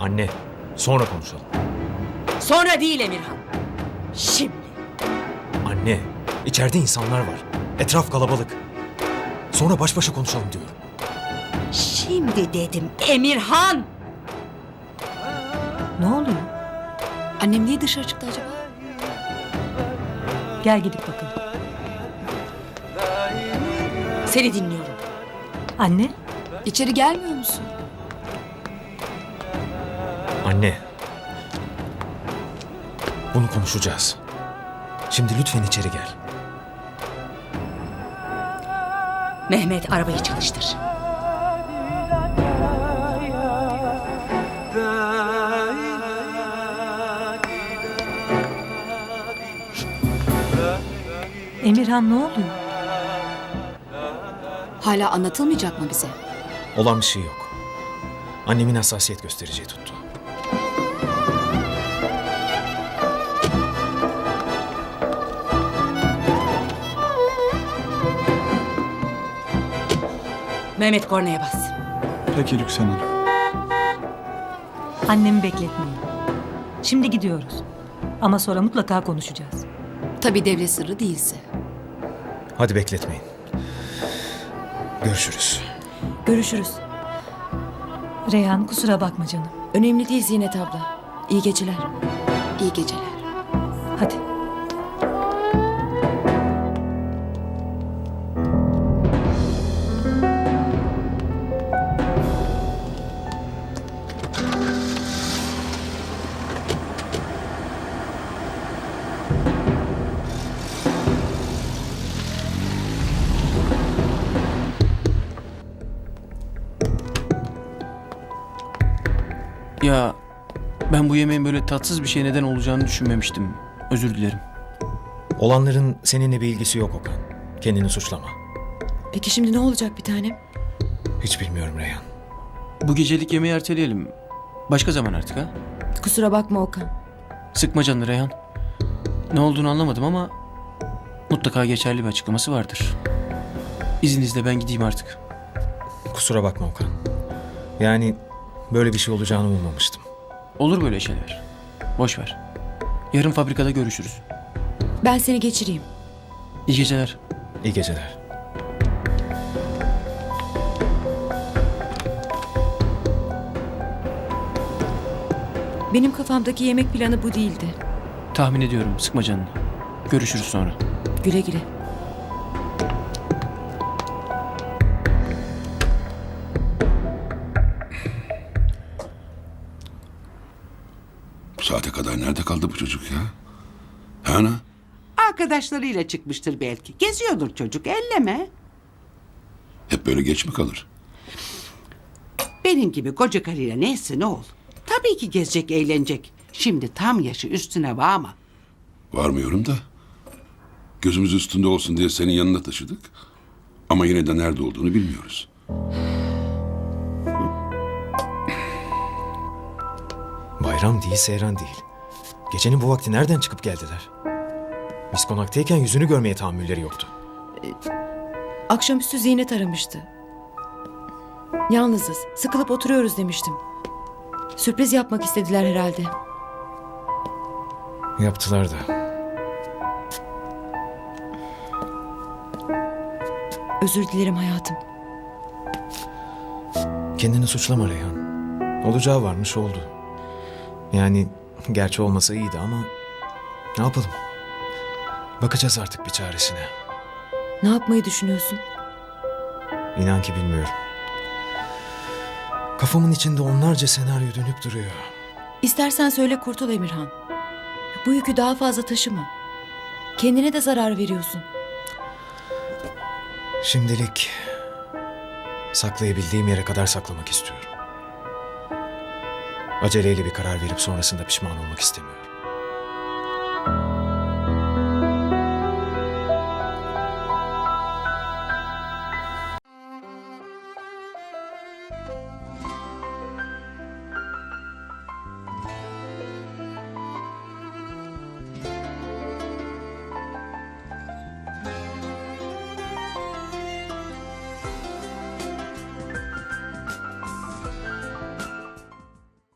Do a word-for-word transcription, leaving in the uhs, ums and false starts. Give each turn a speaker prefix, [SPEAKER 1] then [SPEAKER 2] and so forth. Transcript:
[SPEAKER 1] Anne, sonra konuşalım.
[SPEAKER 2] Sonra değil Emirhan. Şimdi.
[SPEAKER 1] Anne, içeride insanlar var. Etraf kalabalık. Sonra baş başa konuşalım diyorum.
[SPEAKER 2] Şimdi dedim Emirhan.
[SPEAKER 3] Ne oluyor?
[SPEAKER 2] Annem niye dışarı çıktı acaba?
[SPEAKER 3] Gel gidip bakalım.
[SPEAKER 2] Seni dinliyorum.
[SPEAKER 3] Anne,
[SPEAKER 2] İçeri gelmiyor musun?
[SPEAKER 1] Anne. Bunu konuşacağız. Şimdi lütfen içeri gel.
[SPEAKER 2] Mehmet arabayı çalıştır.
[SPEAKER 3] Emirhan ne oluyor?
[SPEAKER 2] Hala anlatılmayacak mı bize?
[SPEAKER 1] Olan bir şey yok. Annemin hassasiyet göstereceği tuttu.
[SPEAKER 2] Mehmet kornaya bas.
[SPEAKER 4] Peki Lüksen Hanım.
[SPEAKER 3] Annemi bekletmeyin. Şimdi gidiyoruz. Ama sonra mutlaka konuşacağız.
[SPEAKER 2] Tabii devlet sırrı değilse.
[SPEAKER 1] Hadi bekletmeyin. Görüşürüz.
[SPEAKER 2] Görüşürüz.
[SPEAKER 3] Reyhan kusura bakma canım.
[SPEAKER 2] Önemli değil Zinet abla. İyi geceler. İyi geceler.
[SPEAKER 3] Hadi.
[SPEAKER 5] Ya ben bu yemeğin böyle tatsız bir şey neden olacağını düşünmemiştim. Özür dilerim.
[SPEAKER 1] Olanların seninle bir ilgisi yok Okan. Kendini suçlama.
[SPEAKER 2] Peki şimdi ne olacak bir tanem?
[SPEAKER 1] Hiç bilmiyorum Reyhan.
[SPEAKER 5] Bu gecelik yemeği erteleyelim. Başka zaman artık ha?
[SPEAKER 2] Kusura bakma Okan.
[SPEAKER 5] Sıkma canını Reyhan. Ne olduğunu anlamadım ama mutlaka geçerli bir açıklaması vardır. İzninizle ben gideyim artık.
[SPEAKER 1] Kusura bakma Okan. Yani böyle bir şey olacağını ummamıştım.
[SPEAKER 5] Olur böyle şeyler. Boş ver. Yarın fabrikada görüşürüz.
[SPEAKER 2] Ben seni geçireyim.
[SPEAKER 5] İyi geceler.
[SPEAKER 1] İyi geceler.
[SPEAKER 2] Benim kafamdaki yemek planı bu değildi.
[SPEAKER 5] Tahmin ediyorum. Sıkma canını. Görüşürüz sonra.
[SPEAKER 2] Güle güle.
[SPEAKER 6] Bu saate kadar nerede kaldı bu çocuk ya? Ha ana?
[SPEAKER 7] Arkadaşlarıyla çıkmıştır belki. Geziyordur çocuk, elleme.
[SPEAKER 6] Hep böyle geç mi kalır?
[SPEAKER 7] Benim gibi koca karıyla neyse ne ol. Tabii ki gezecek, eğlenecek. Şimdi tam yaşı üstüne bağma.
[SPEAKER 6] Varmıyorum da. Gözümüz üstünde olsun diye senin yanına taşıdık. Ama yine de nerede olduğunu bilmiyoruz.
[SPEAKER 1] Bayram değil, seyran değil. Gecenin bu vakti nereden çıkıp geldiler? Biz konaktayken yüzünü görmeye tahammülleri yoktu.
[SPEAKER 2] Akşamüstü Zinet aramıştı. Yalnızız, sıkılıp oturuyoruz demiştim. Sürpriz yapmak istediler herhalde.
[SPEAKER 1] Yaptılar da.
[SPEAKER 2] Özür dilerim hayatım.
[SPEAKER 1] Kendini suçlama Reyhan. Olacağı varmış oldu. Yani gerçi olmasa iyiydi ama ne yapalım? Bakacağız artık bir çaresine.
[SPEAKER 2] Ne yapmayı düşünüyorsun?
[SPEAKER 1] İnan ki bilmiyorum. Kafamın içinde onlarca senaryo dönüp duruyor.
[SPEAKER 2] İstersen söyle kurtul Emirhan. Bu yükü daha fazla taşıma. Kendine de zarar veriyorsun.
[SPEAKER 1] Şimdilik saklayabildiğim yere kadar saklamak istiyorum. Aceleyle bir karar verip sonrasında pişman olmak istemiyorum.